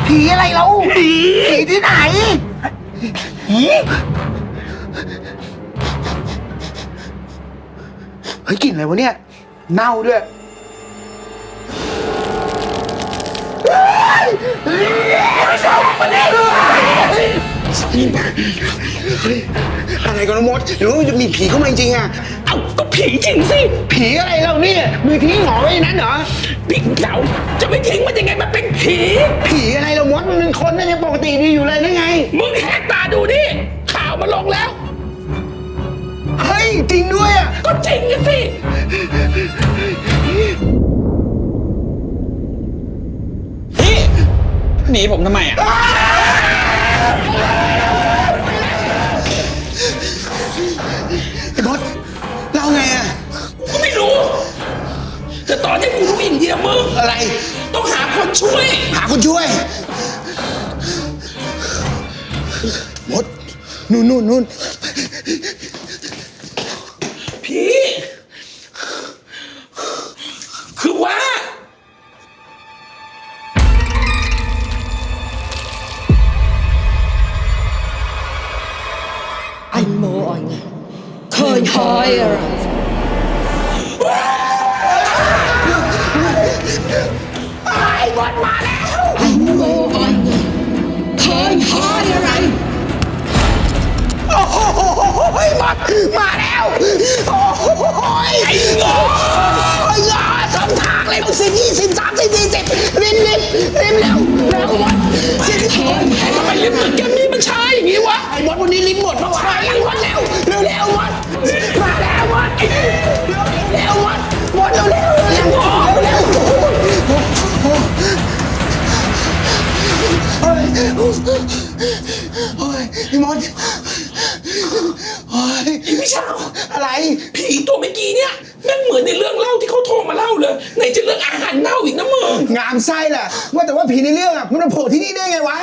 ผีอะไรเราผีที่ไหนผีเฮ้ยกลิ่นอะไรวะเนี่ยเน่าด้วยอะไรกันมดหรือว่ามันจะมีผีเข้ามาจริงๆอ่ะเอ้าก็ผีจริงสิผีอะไรเราเนี่ยมือทิ้งหงอไว้นั้นเหรอผีเราจะไม่ทิ้งมันยังไงมันเป็นผีผีอะไรเรามดมันเป็นคนนั่นยังปกติดีอยู่เลยนั่นไงมึงแหกตาดูดิข่าวมาลงแล้วเฮ้ยจริงด้วยอ่ะก็จริงสิพี่หนีผมทำไมอ่ะไอ้บอสเล่าไงอ่ะก็ไม่รู้แต่ตอนนี้กูรู้อย่างเดียวมึงอะไรต้องหาคนช่วยหาคนช่วยมดนู่นพี่คือว่า Anh mơ anh Thời hỏi rồi ไอ้บอสมาแล้ว Anh mơ anh Thời hỏi rồi โอ้โหบอสมาแล้วโอ้โหไอ้เงาสองทางเลย10 20 30 40ริมเร็วบอสทำไมลิฟต์ตึกแกมมี่มันช้าอย่างนี้วะไอ้บอสวันนี้ริมหมดเพราะว่าไอ้บอสเร็วบอสมาแล้วบอสบอสเร็วโอ้ยพี่มดโอ้ยอีพี่เช้าอะไรผีตัวเมื่อกี้เนี่ยแม่งเหมือนในเรื่องเล่าที่เขาโทรมาเล่าเลยไหนจะเรื่องอาหารเน่าอีกนะมึงงามไส้แหละว่าแต่ว่าผีในเรื่องอ่ะมันมาโผล่ที่นี่ได้ไงวะ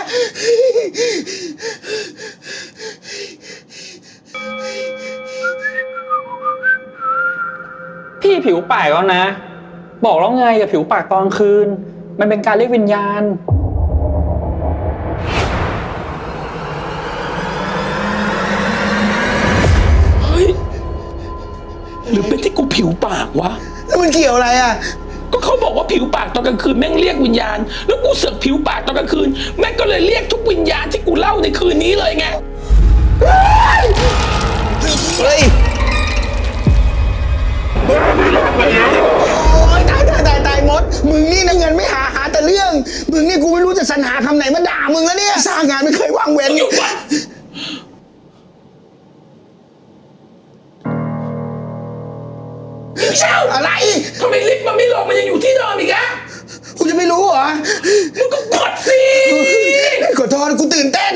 พี่ผิวปากแล้วนะ บอกแล้วไงอย่าผิวปากตอนคืนมันเป็นการเรียกวิญญาณเฮ้ยหรือเป็นที่กูผิวปากวะแล้วมันเกี่ยวอะไรอ่ะก็เขาบอกว่าผิวปากตอนกลางคืนแม่งเรียกวิญญาณแล้วกูเสือกผิวปากตอนกลางคืนแม่งก็เลยเรียกทุกวิญญาณที่กูเล่าในคืนนี้เลยไงเฮ้ยโอ้ยตายมดมึงนี่นะเงินไม่หาแต่เรื่องมึงนี่กูไม่รู้จะสรรหาคำไหนมาด่ามึงแล้วเนี่ยสร้างงานไม่เคยว่างเว้นอยู่วะพี่เช้าอะไรทำไมลิฟต์มันไม่ลงมันยังอยู่ที่เดิมอีกอะกูจะไม่รู้เหรอมึงก็กดสิขอโทษกูตื่นเต้น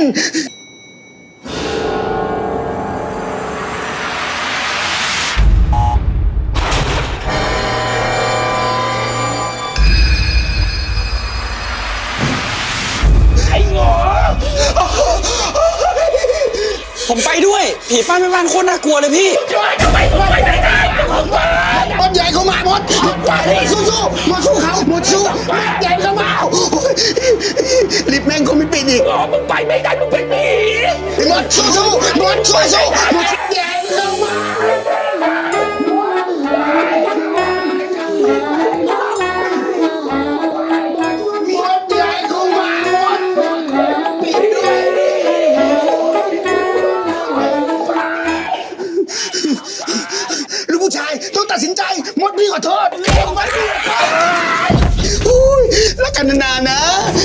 ไอ้งอผมไปด้วยผีป้าแม่บ้านโคตรน่ากลัวเลยพี่ช่วยทำไมมึงไปไหนได้มึงไปมดใหญ่เข้ามาหมดสู้มาสู้เขาหมดสู้ใหญ่เข้ามาลิฟต์แม่งคงไม่ปิดอีกมึงไปไม่ได้มึงเป็นผีหมดสู้หมดใหญ่เข้ามาลูกผู้ชายต้องตัดสินใจมดพี่ขอโทษแล้วกันนานๆนะ